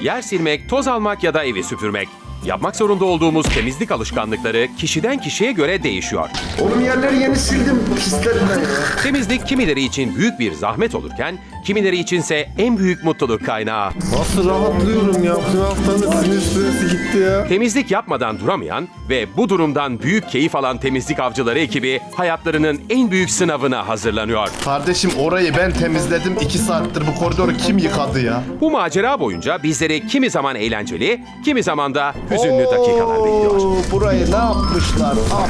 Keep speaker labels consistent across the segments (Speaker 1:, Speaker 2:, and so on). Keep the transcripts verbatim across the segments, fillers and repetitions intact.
Speaker 1: Yer silmek, toz almak ya da evi süpürmek. Yapmak zorunda olduğumuz temizlik alışkanlıkları kişiden kişiye göre değişiyor.
Speaker 2: Oğlum yerleri yeni sildim pislerden ya.
Speaker 1: Temizlik kimileri için büyük bir zahmet olurken, kimileri içinse en büyük mutluluk kaynağı.
Speaker 3: Nasıl rahatlıyorum ya? Bu haftanın sinir stresi gitti ya.
Speaker 1: Temizlik yapmadan duramayan ve bu durumdan büyük keyif alan temizlik avcıları ekibi hayatlarının en büyük sınavına hazırlanıyor.
Speaker 4: Kardeşim orayı ben temizledim. iki saattir bu koridoru kim yıkadı ya?
Speaker 1: Bu macera boyunca bizleri kimi zaman eğlenceli, kimi zaman da hüzünlü dakikalar bekliyor.
Speaker 4: Oo, burayı ne yapmışlar? Ah.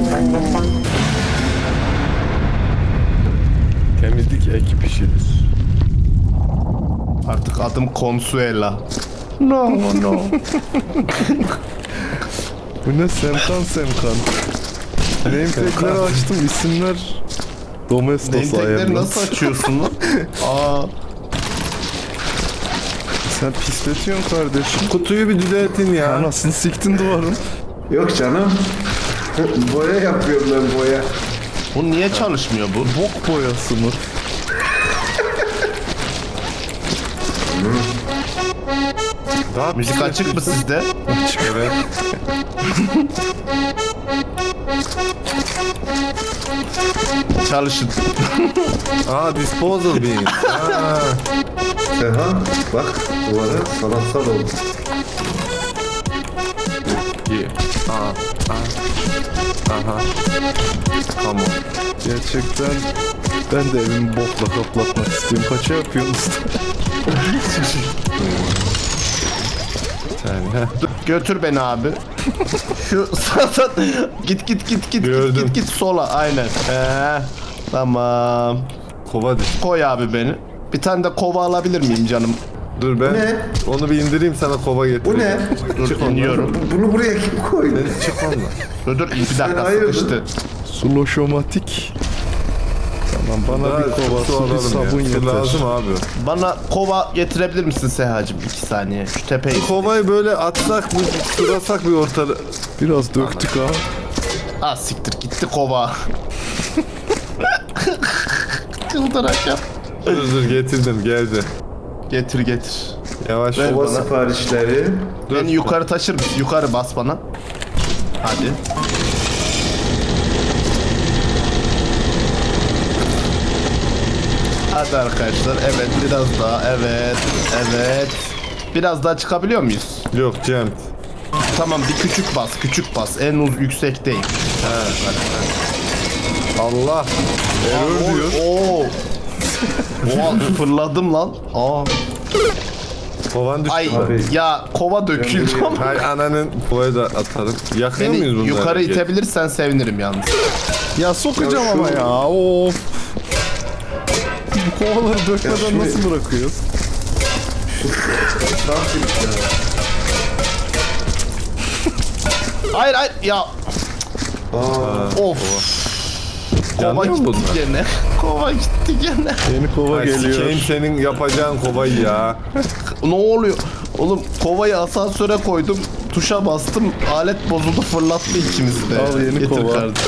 Speaker 3: Temizlik ekip işidir.
Speaker 4: Artık adım Consuela. No no.
Speaker 3: Bu ne Semkan Semkan. Name tag'leri açtım, isimler Domestos
Speaker 4: Name tag'leri
Speaker 3: ayarlı.
Speaker 4: nasıl açıyorsun lan? Aa.
Speaker 3: Sen pisletiyorsun kardeşim.
Speaker 5: Kutuyu bir düzeltin ya.
Speaker 3: Anasını siktin duvarın.
Speaker 2: Yok canım. Boya yapıyorum ben boya.
Speaker 4: Bu niye çalışmıyor bu?
Speaker 3: Bok boyası mı?
Speaker 5: Daha
Speaker 4: Müzik açık mı sizde?
Speaker 3: Açık.
Speaker 5: Evet.
Speaker 4: Çalışın.
Speaker 5: Aa, disposal bin. Aa,
Speaker 2: Seha bak duvara sanatsal oldu.
Speaker 5: iyi. Aa, aa. Aha. Tamam.
Speaker 3: Gerçekten ben de evimi bokla kaplatmak istiyorum. Kaça yapıyorsunuz?
Speaker 5: Sen ha.
Speaker 4: Götür beni abi. Şu sağdan git git git git
Speaker 5: Gördüm.
Speaker 4: git git git sola aynen. Ee, tamam.
Speaker 5: Kova düş.
Speaker 4: Koy abi beni. Bir tane de kova alabilir miyim canım?
Speaker 5: Dur ben
Speaker 2: Ne?
Speaker 5: onu bir indireyim, sana kova getireyim.
Speaker 2: Bu ne?
Speaker 4: Dur iniyorum.
Speaker 2: Bunu buraya kim koydu?
Speaker 5: Çık onunla.
Speaker 4: Dur dur bir dakika
Speaker 2: hayırdır?
Speaker 4: sıkıştı.
Speaker 3: Suloşomatik. Tamam, bana
Speaker 5: Daha
Speaker 3: bir
Speaker 5: çok su
Speaker 3: kova, su, bir
Speaker 5: alalım
Speaker 3: sabun
Speaker 5: ya. Su
Speaker 3: yeter.
Speaker 5: lazım abi.
Speaker 4: Bana kova getirebilir misin Sehacığım? İki saniye. Şu tepeyi.
Speaker 5: Kovayı böyle atsak, bir surasak bir ortada.
Speaker 3: Biraz döktük ha.
Speaker 4: Ah siktir gitti kova. Çıldıracağım.
Speaker 5: Dur dur, getirdim, geldi.
Speaker 4: Getir getir.
Speaker 5: Yavaş.
Speaker 4: Ver
Speaker 2: Kova
Speaker 4: bana.
Speaker 2: siparişleri.
Speaker 4: Beni yukarı taşır mısın? Yukarı bas bana. Hadi. Hadi arkadaşlar. Evet biraz daha. Evet. Evet. Biraz daha çıkabiliyor muyuz?
Speaker 5: Yok Cem.
Speaker 4: Tamam bir küçük bas. Küçük bas. En uz yüksek değil.
Speaker 5: Allah. Error diyor.
Speaker 4: Oo. Oha fırladım lan. Aa.
Speaker 5: Kovan düştü.
Speaker 4: Ay
Speaker 2: Abi.
Speaker 4: ya kova döküldü ama.
Speaker 5: Hay ananın, kovayı da atarım. Yakıyor
Speaker 4: Beni
Speaker 5: muyuz bunları?
Speaker 4: yukarı
Speaker 5: Geç.
Speaker 4: itebilirsen sevinirim yalnız.
Speaker 3: Ya sokacağım
Speaker 2: Ya şu-
Speaker 3: ama ya. Of. Bu kovaları dökmeden
Speaker 2: şu-
Speaker 3: nasıl bırakıyoruz?
Speaker 4: Hayır hayır ya. Of. Kova
Speaker 5: Yanıyor mu
Speaker 4: gitti
Speaker 5: bunlar?
Speaker 4: gene. Kova gitti gene.
Speaker 3: Yeni kova
Speaker 5: Ay,
Speaker 3: geliyor.
Speaker 5: sikeyim senin yapacağın kovayı ya.
Speaker 4: Ne oluyor? Oğlum kovayı asansöre koydum. Tuşa bastım. Alet bozuldu fırlattı ikimizi de.
Speaker 3: Al yeni
Speaker 4: Getir
Speaker 3: kova.
Speaker 4: kardeşim.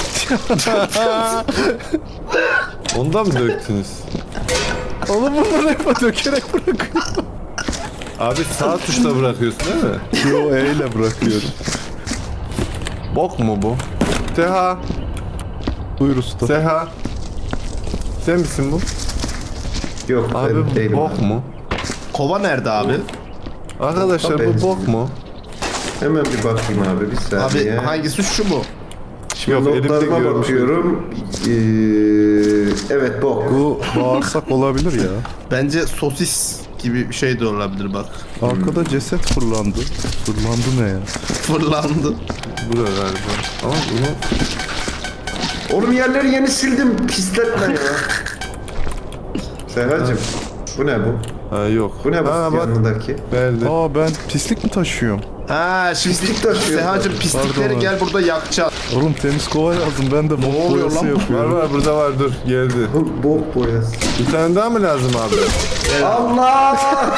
Speaker 5: Ondan mı döktünüz?
Speaker 3: Oğlum bunları hep dökerek bırakıyor.
Speaker 5: Abi sağ tuşla bırakıyorsun değil mi?
Speaker 3: Yo, E ile bırakıyorum.
Speaker 5: Bok mu bu? Seha.
Speaker 3: Buyur usta.
Speaker 5: Seha. Sen misin bu?
Speaker 2: Yok
Speaker 5: Abi
Speaker 2: ben
Speaker 5: bu
Speaker 2: değilim.
Speaker 5: bok mu?
Speaker 4: Kova nerede abi?
Speaker 5: Arkadaşlar
Speaker 2: Tabii.
Speaker 5: bu bok mu?
Speaker 2: Hemen bir bakayım abi bir saniye.
Speaker 4: Abi hangisi şu mu?
Speaker 5: Yok, elimde
Speaker 2: Notlarıma
Speaker 5: görmüş.
Speaker 2: bakıyorum. Ee, evet bok.
Speaker 3: Bu bağırsak olabilir ya.
Speaker 4: Bence sosis gibi bir şey de olabilir bak.
Speaker 3: Arkada ceset fırlandı. Fırlandı ne ya?
Speaker 4: Fırlandı.
Speaker 5: Bu da galiba. Ama bunu...
Speaker 2: Oğlum yerleri yeni sildim pisletme ya. Serhacım bu ne bu?
Speaker 5: Ha yok.
Speaker 2: Bu ne bu
Speaker 5: Ha bak,
Speaker 2: yanındaki?
Speaker 5: verdi.
Speaker 3: Aa, ben pislik mi taşıyorum?
Speaker 4: Ha şimdi
Speaker 2: Pislik taşıyor.
Speaker 4: Sehacığım pislikleri
Speaker 3: Pardon.
Speaker 4: gel burada yakacağız.
Speaker 3: Oğlum temiz kova lazım. Ben de bok
Speaker 4: oluyor
Speaker 3: boyası
Speaker 4: lan?
Speaker 5: Var
Speaker 3: yapıyorum.
Speaker 5: var, burada var, dur geldi.
Speaker 2: Bu bok boyası.
Speaker 5: Bir tane daha mı lazım abi?
Speaker 2: Allah!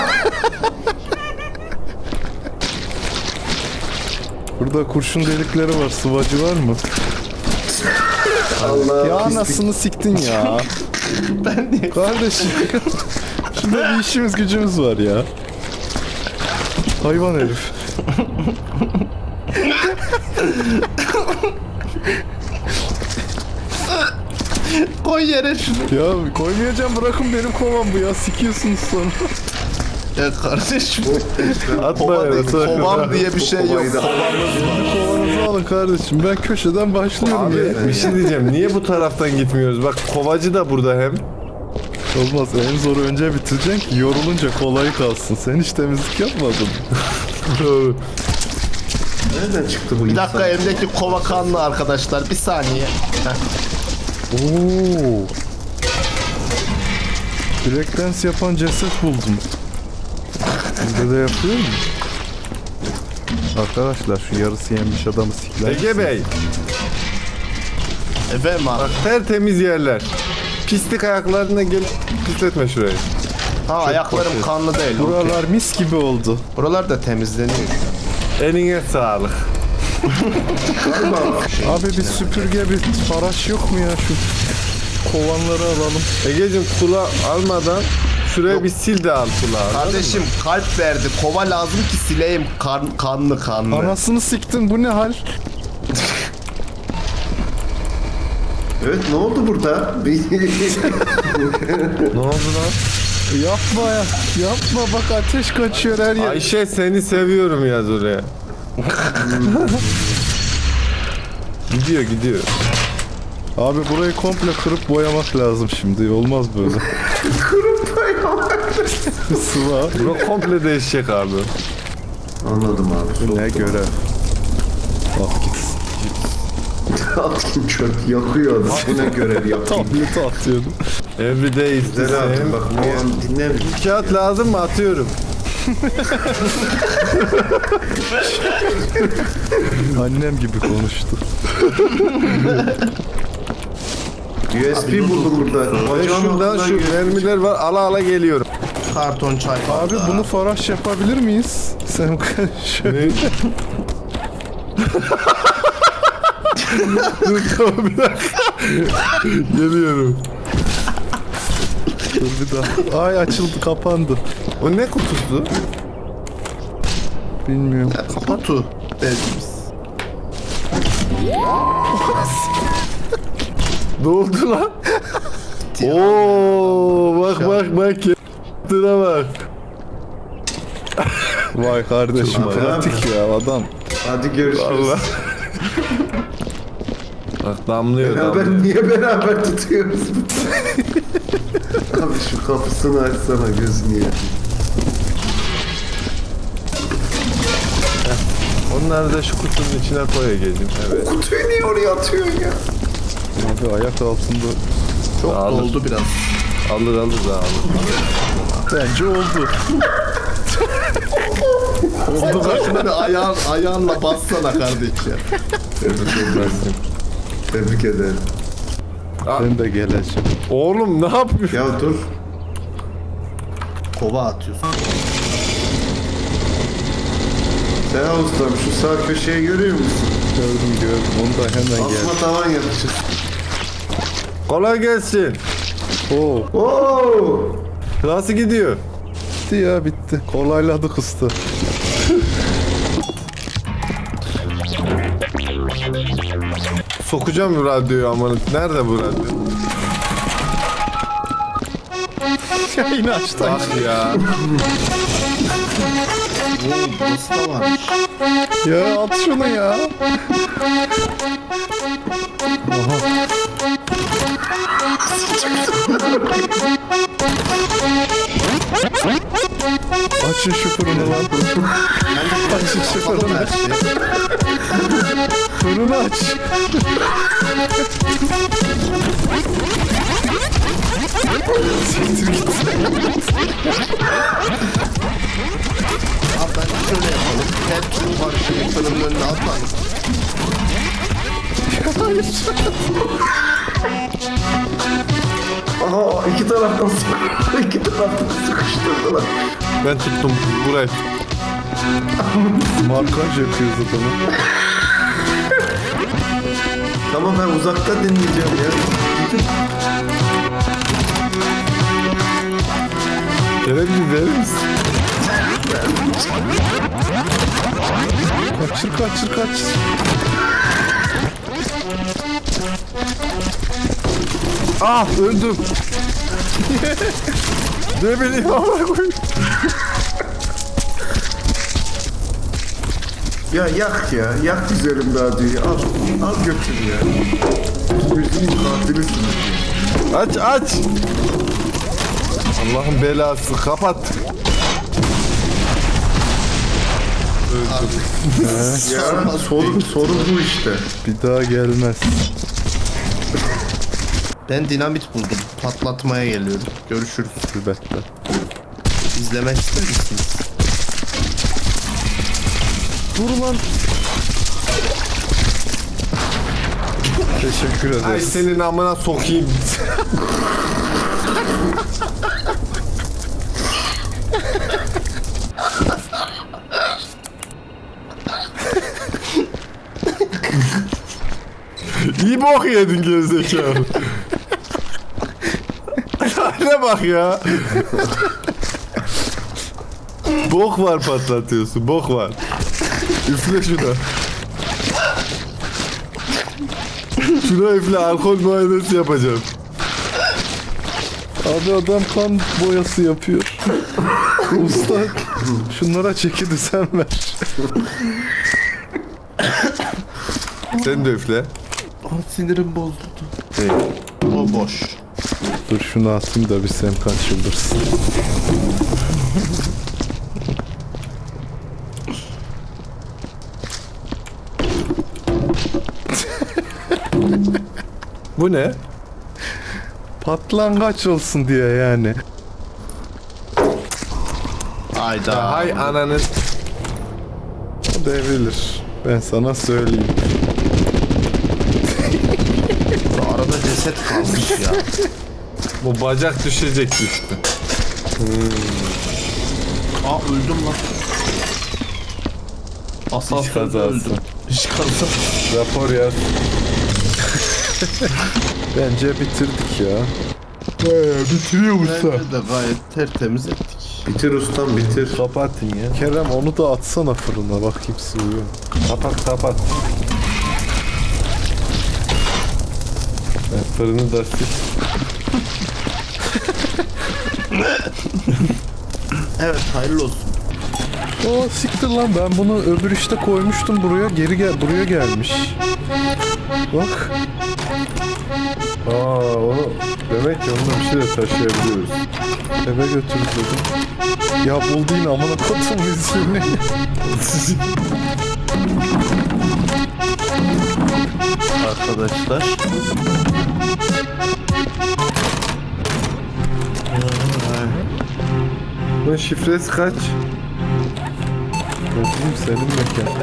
Speaker 3: Burada kurşun delikleri var. Sıvacı var mı?
Speaker 2: Allah
Speaker 3: Ya
Speaker 2: pislik.
Speaker 3: anasını siktin ya.
Speaker 4: Ben de
Speaker 3: Kardeşim. Şurada bir işimiz gücümüz var ya. Hayvan herif.
Speaker 4: Koy yere şunu.
Speaker 3: Ya koymayacağım, bırakın benim kovam bu ya, sikiyorsunuz sonra.
Speaker 4: Ya kardeşim.
Speaker 5: Atma
Speaker 4: Kova
Speaker 5: ya.
Speaker 4: değil, kovam diye bir şey yok.
Speaker 2: Kovayı da-
Speaker 3: Kendi kovanızı alın kardeşim, ben köşeden başlıyorum
Speaker 5: Abi
Speaker 3: ya.
Speaker 5: bir şey diyeceğim. Niye bu taraftan gitmiyoruz? Bak kovacı da burada hem.
Speaker 3: Olmaz, en zoru önce bitireceksin ki yorulunca kolayı kalsın. Sen hiç temizlik yapmadın.
Speaker 5: Doğru.
Speaker 2: Nereden çıktı bu
Speaker 4: Bir
Speaker 2: insan?
Speaker 4: dakika, elimdeki kova kanlı arkadaşlar. Bir saniye. Heh.
Speaker 3: Oo. Breakdance yapan ceset buldum. Bizde de yapıyor mu? Arkadaşlar şu yarısı yenmiş adamı sikler.
Speaker 5: Ege Bey.
Speaker 4: Efendim abi.
Speaker 5: Bak tertemiz yerler. Pislik ayaklarına gel pisletme şurayı.
Speaker 4: Ha, ayaklarım kanlı değil. okey.
Speaker 3: Buralar mis gibi oldu.
Speaker 4: Buralar da temizleniyor.
Speaker 5: Eline sağlık.
Speaker 3: Abi bir süpürge, bir faraş yok mu ya, şu kovanları alalım.
Speaker 5: Egeciğim kula almadan şuraya bir sil de al kulağı.
Speaker 4: Kardeşim kalp verdi. Kova lazım ki sileyim kan, kanlı kanlı.
Speaker 3: Anasını siktin, bu ne hal?
Speaker 2: Evet, ne oldu burada?
Speaker 5: Ne oldu lan?
Speaker 3: Yapma ya, yapma, bak ateş kaçıyor her yer.
Speaker 5: Ayşe seni seviyorum yaz oraya. Gidiyor gidiyor.
Speaker 3: Abi burayı komple kırıp boyamak lazım şimdi, olmaz böyle.
Speaker 2: Kırıp boyamak.
Speaker 3: Sıva.
Speaker 5: Bura komple değişecek abi.
Speaker 2: Anladım abi.
Speaker 3: Bu ne görev? Bak gitsin.
Speaker 2: Atayım çöp yakıyor adam. Bu ne görev yapayım.
Speaker 3: Tableti atıyordu.
Speaker 5: Everyday is the
Speaker 2: Güzel abi
Speaker 5: same.
Speaker 2: bak o an dinlemiyor.
Speaker 5: Kağıt lazım mı? Atıyorum.
Speaker 3: Annem gibi konuştu.
Speaker 2: U S B buldum burada.
Speaker 5: Ve
Speaker 2: Bacağın
Speaker 5: şuradan
Speaker 2: altından
Speaker 5: şu
Speaker 2: U S B
Speaker 5: mermiler var. Ala ala geliyorum.
Speaker 4: Karton çay.
Speaker 3: Abi bunu faraş yapabilir miyiz? Sen şöyle.
Speaker 5: Ne? Dur tamam bir dakika. Geliyorum.
Speaker 3: Dur bir daha. Ay açıldı, kapandı.
Speaker 5: O ne kutusu?
Speaker 3: Bilmiyorum.
Speaker 4: Kutu. Dediğimiz.
Speaker 5: Ne oldu lan? Oo bak bak bak. Tıra bak.
Speaker 3: Vay kardeşim,
Speaker 2: Çok
Speaker 3: pratik ya adam.
Speaker 2: Hadi görüşürüz.
Speaker 5: Allah. Bak damlıyor
Speaker 2: Beraber
Speaker 5: damlıyor.
Speaker 2: niye beraber tutuyoruz? Abi şu kapısını açsana, gözünü ya.
Speaker 5: Onları da şu kutunun içine koy Ege'cim. Evet.
Speaker 2: Kutuyu niye oraya atıyorsun ya?
Speaker 3: Abi ayak altında.
Speaker 4: Çok
Speaker 5: Alır.
Speaker 4: doldu biraz.
Speaker 5: Alır alır da alır.
Speaker 3: Bence oldu.
Speaker 4: Oldu bak. Ayağın, ayağınla bassana kardeş ya.
Speaker 2: Tebrik ederim. Tebrik ederim.
Speaker 3: Ben de geleceğim.
Speaker 5: Oğlum ne yapıyorsun?
Speaker 2: Ya dur.
Speaker 4: Kova atıyorsun.
Speaker 2: Sen ustam şu sağ köşeyi görüyor musun?
Speaker 3: Gördüm gördüm. Onu da hemen gel.
Speaker 2: Asma tavan yapacağız.
Speaker 5: Kolay gelsin.
Speaker 3: Oo,
Speaker 2: Oo!
Speaker 5: Nasıl gidiyor?
Speaker 3: bitti ya, bitti. Kolayladık usta.
Speaker 5: Sokacağım bu radyoyu aman. Nerede bu radyo?
Speaker 3: Ya yine açtın.
Speaker 5: Bak ya.
Speaker 4: Oo, burası da varmış.
Speaker 3: Ya at şunu ya. Açın şu fırını lan. Açın şu fırını.
Speaker 4: Her şey.
Speaker 3: Fırını aç. Siktir git.
Speaker 4: Abi ben şöyle yapalım. Her türlü barışını fırının önüne atmayalım.
Speaker 2: Aha, iki taraftan sıkıştırdılar. İki taraftan sıkıştırdılar.
Speaker 5: Ben tuttum burayı.
Speaker 3: Markaj yapıyoruz adamı.
Speaker 2: Tamam, ben uzakta dinleyeceğim ya.
Speaker 5: Gene bir verir misin?
Speaker 3: Kaçır kaçır kaçır.
Speaker 5: Ah öldüm. Ne bileyim amına koyayım.
Speaker 2: Ya yak ya. Yak güzelim radyoyu. Al. Al götür ya. Müziğin katilisin.
Speaker 5: Aç aç. Allah'ın belası kapat.
Speaker 2: Ya sorun, sorun bu işte.
Speaker 3: Bir daha gelmez.
Speaker 4: Ben dinamit buldum. Patlatmaya geliyorum. Görüşürüz.
Speaker 3: Elbette.
Speaker 4: İzlemek ister misiniz?
Speaker 3: Dur lan. Teşekkür ederiz.
Speaker 5: Ay senin amına sokayım. İyi bok yedin gerizekalı. Ne bak ya. Bok var patlatıyorsun, bok var. Üfle şuna. Şuna üfle, alkol muayenesi yapacağım.
Speaker 3: Abi adam kan boyası yapıyor. Usta şunlara çeki düzen ver.
Speaker 5: Sen de üfle.
Speaker 4: Ah, sinirim bozuldu. O boş.
Speaker 3: Dur şunu atayım da bir Semkan çıldırsın.
Speaker 5: Bu ne?
Speaker 3: Patlangaç olsun diye yani.
Speaker 4: Hayda.
Speaker 5: Hay ananın.
Speaker 3: O devrilir. Ben sana söyleyeyim.
Speaker 4: Arada ceset kalmış ya.
Speaker 5: Bu bacak düşecek düştü.
Speaker 4: Aa öldüm lan. Asansörde
Speaker 5: kazası.
Speaker 4: öldüm. İş kazası.
Speaker 5: Rapor yaz.
Speaker 3: Bence bitirdik ya.
Speaker 5: Bitiriyor
Speaker 4: Bence de gayet tertemiz ettik.
Speaker 2: Bitir ustam bitir.
Speaker 5: Kapatın ya.
Speaker 3: Kerem onu da atsana fırına bakayım sığıyor.
Speaker 5: Kapat kapat. Ben fırını da sil.
Speaker 4: Evet hayırlı olsun.
Speaker 3: O siktir lan ben bunu öbür işte koymuştum buraya geri gel buraya gelmiş. Bak.
Speaker 5: Aa onu demek ki onunla bir şey de taşıyabiliyoruz.
Speaker 3: Eve götürüp dedim. Ya buldu yine amına koydum yüzünü.
Speaker 4: Arkadaşlar.
Speaker 5: Bunun şifresi kaç?
Speaker 3: Ne diyeyim senin mekan.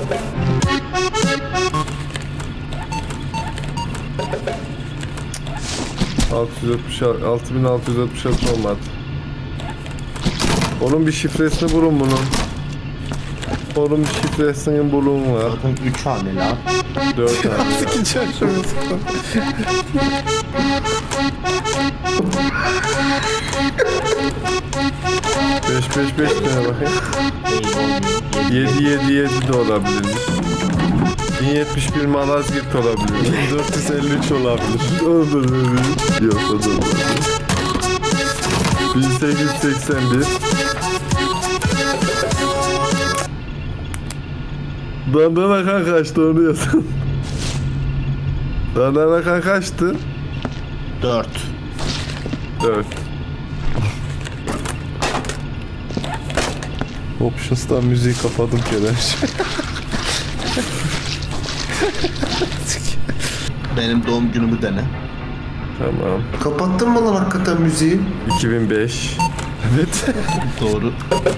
Speaker 5: altı yüz altmış altı, altı bin altı yüz altmış altı olmadı. Onun bir şifresini bulun bunun. Onun bir şifresini bulun var.
Speaker 4: Zaten üç hane lan.
Speaker 5: dört tane.
Speaker 3: Sikeceğim şunu.
Speaker 5: beş beş beş tane bakayım. yedi yedi yedi de olabilir. bin yetmiş bir Malazgirt olabilir.
Speaker 3: dört yüz elli üç olabilir.
Speaker 5: Olabilir. Yok o da olabilir. bin sekiz yüz seksen bir. Dandana kan kaçtı onu yazın. Dandana kan kaçtı?
Speaker 4: Dört.
Speaker 5: dört.
Speaker 3: Options'tan müziği kapadım Kerem.
Speaker 4: Benim doğum günümü dene.
Speaker 5: Tamam.
Speaker 2: Kapattın mı lan hakikaten müziği?
Speaker 5: iki bin beş.
Speaker 3: Evet.
Speaker 4: Doğru.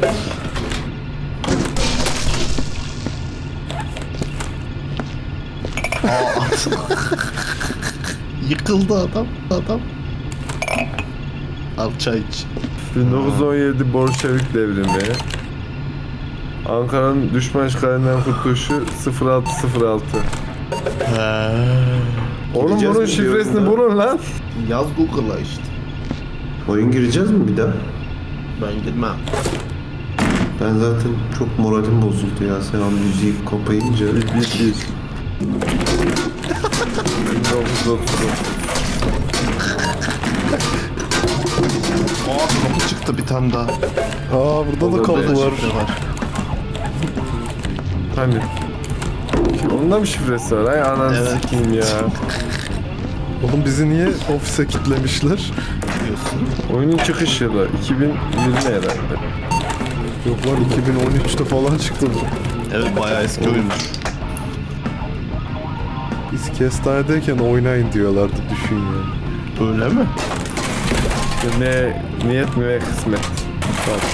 Speaker 4: Aa. Yıkıldı adam. Adam. Al çay iç.
Speaker 5: bin dokuz yüz on yedi Bolşevik devrimi. Ankara'nın düşman işgalinden kurtuluşu sıfır altı sıfır altı. Oğlum
Speaker 2: Gideceğiz
Speaker 5: bunun
Speaker 2: mi
Speaker 5: şifresini
Speaker 2: diyorum
Speaker 5: bulun lan.
Speaker 4: Yaz Google'a işte.
Speaker 2: Oyun gireceğiz mi bir daha?
Speaker 4: Ben girmem.
Speaker 2: Ben zaten çok moralim bozuldu ya sen o müziği kapayınca.
Speaker 5: Bir bir. bin dokuz yüz otuz dokuz.
Speaker 4: Aa kapı çıktı bir tane daha.
Speaker 3: Aa burada da kapı var.
Speaker 5: Hani? Onun da mı şifresi var? Ay ananı
Speaker 4: Evet.
Speaker 5: sikeyim ya.
Speaker 3: Oğlum bizi niye ofise kilitlemişler?
Speaker 4: Diyorsun.
Speaker 5: Oyunun çıkış yılı iki bin yirmi herhalde.
Speaker 3: Yok lan iki bin on üçte falan çıktı bu.
Speaker 4: Evet bayağı eski oyunmuş.
Speaker 3: Biz kestanedeyken oynayın diyorlardı düşün ya.
Speaker 4: Öyle mi?
Speaker 5: Ne niyet mi ve kısmet. Bak.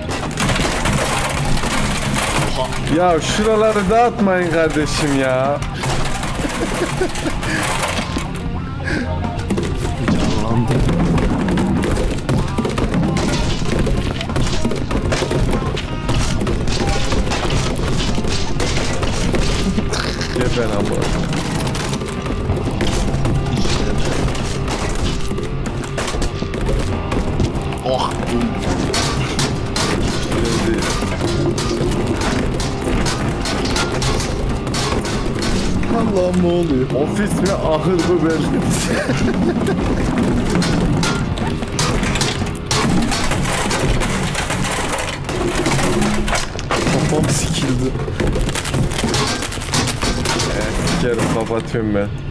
Speaker 5: Ya şuraları dağıtmayın kardeşim ya.
Speaker 4: Canlandı.
Speaker 5: Geber ama.
Speaker 4: Oh.
Speaker 5: Şimdi
Speaker 3: Allah'ım ne oluyor?
Speaker 5: ofis mi ahır mı belli.
Speaker 3: Kafam sikildi.
Speaker 5: Sikerim kapatıyorum ben.